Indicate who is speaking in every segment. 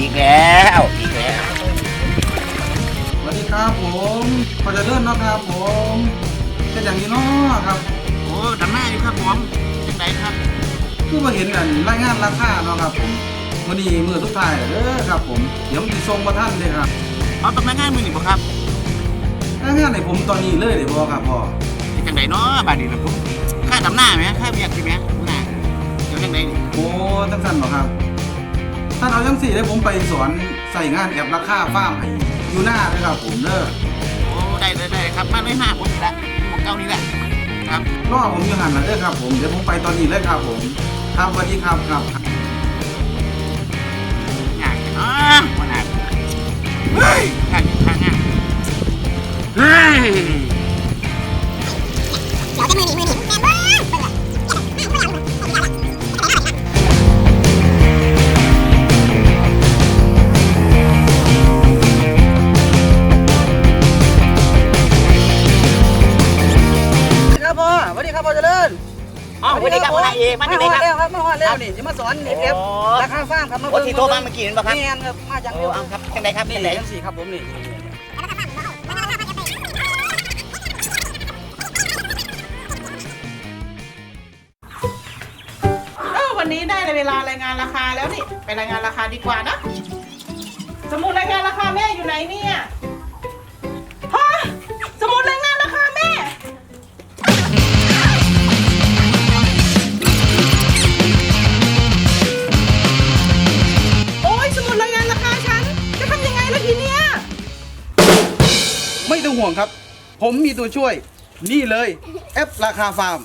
Speaker 1: อีกแล้ว
Speaker 2: สวัสดีครับผมพอจะเลื่อนเนาะครับผมเป็นอย่างนี้เนาะครับ
Speaker 1: โอ้ดำหน้าอยู่ครับผมยังไงครับ
Speaker 2: คือมาเห็นกันรายงานราคาเนาะครับผมวันนี้มือทุกทายเด้อครับผมเดี๋ยวมีส่งมาท่านเลยครับ
Speaker 1: เอาตำแหน่งงานมือหนึ่งบ่ครับ
Speaker 2: รายงานให้ผมตอนนี้เลยเดี๋ยวพอครับพ่อ
Speaker 1: ยังไงเนาะบาดนี้นะผมค่าดำหน้าไหมค่าเบียดใช่ไหมหน้าเดี๋ยวยังไง
Speaker 2: โอ้ตั้งสั้นเหรอครับท่านเอาจังสี่ให้ผมไปสอนใส่งานแอบราคาฟาร์มให้อยู่หน้าเลยครับผมเด้อ
Speaker 1: โอ้ได้ครับมาเลย5ผมละของเก้านี้แหละครับ
Speaker 2: รอผมอยู่หันนะเด้อครับผมเดี๋ยวผมไปตอนนี้เลยครับผมครับสวัสดีครับครับ
Speaker 1: งานเนาะวันนั้นเฮ้ยงานเฮ้ย
Speaker 3: เราจะมือหนีแมนเบิ้ลเบิ้ล
Speaker 2: ครับพ่อสวัสดีครับพ่อเจริญ
Speaker 1: อ๋อสวัสดีครับพ่อเอกมาจากไหนครับ
Speaker 2: แล้วครับมาแล้วนี่จะมาสอนเอฟราคาฟาร์มครับมา
Speaker 1: โอ้ที่โทรมาเมื่อกี้นั่นป่ะครับ
Speaker 2: นี่ครับมาจาก
Speaker 1: โอ้เอาครับยังไงครับ
Speaker 2: นี่
Speaker 1: ยังไง
Speaker 2: จังสี่ครับผมนี่
Speaker 4: วันนี้ได้เวลารายงานราคาแล้วนี่ไปรายงานราคาดีกว่านะสมุดรายงานราคาแม่อยู่ไหนเนี่ยฮะสมุดรายงานราคาแม่โอ้ยสมุดรายงานราคาฉันจะทำยังไงล่ะทีเนี้ย
Speaker 2: ไม่ต้องห่วงครับผมมีตัวช่วยนี่เลยแอปราคาฟาร์ม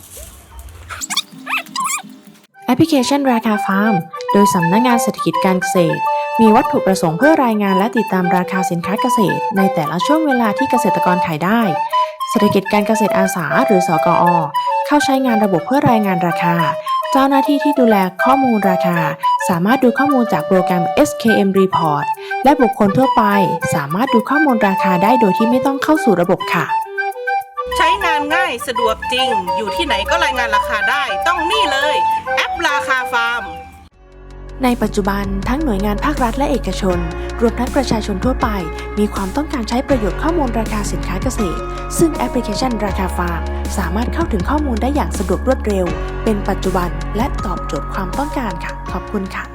Speaker 5: แอปพลิเคชันราคาฟาร์มโดยสำนักงานเศรษฐกิจการเกษตรมีวัตถุประสงค์เพื่อรายงานและติดตามราคาสินค้าเกษตรในแต่ละช่วงเวลาที่เกษตรกรขายได้เศรษฐกิจการเกษตรอาสาหรือสกอ.เข้าใช้งานระบบเพื่อรายงานราคาเจ้าหน้าที่ที่ดูแลข้อมูลราคาสามารถดูข้อมูลจากโปรแกรม SKM Report และบุคคลทั่วไปสามารถดูข้อมูลราคาได้โดยที่ไม่ต้องเข้าสู่ระบบค่ะ
Speaker 4: ใช้งานง่ายสะดวกจริงอยู่ที่ไหนก็รายงานราคาได้ต้องนี่เลยแอปราคาฟาร์ม
Speaker 5: ในปัจจุบันทั้งหน่วยงานภาครัฐและเอกชนรวมทั้งประชาชนทั่วไปมีความต้องการใช้ประโยชน์ข้อมูลราคาสินค้าเกษตรซึ่งแอปพลิเคชันราคาฟาร์มสามารถเข้าถึงข้อมูลได้อย่างสะดวกรวดเร็วเป็นปัจจุบันและตอบโจทย์ความต้องการค่ะขอบคุณค่ะ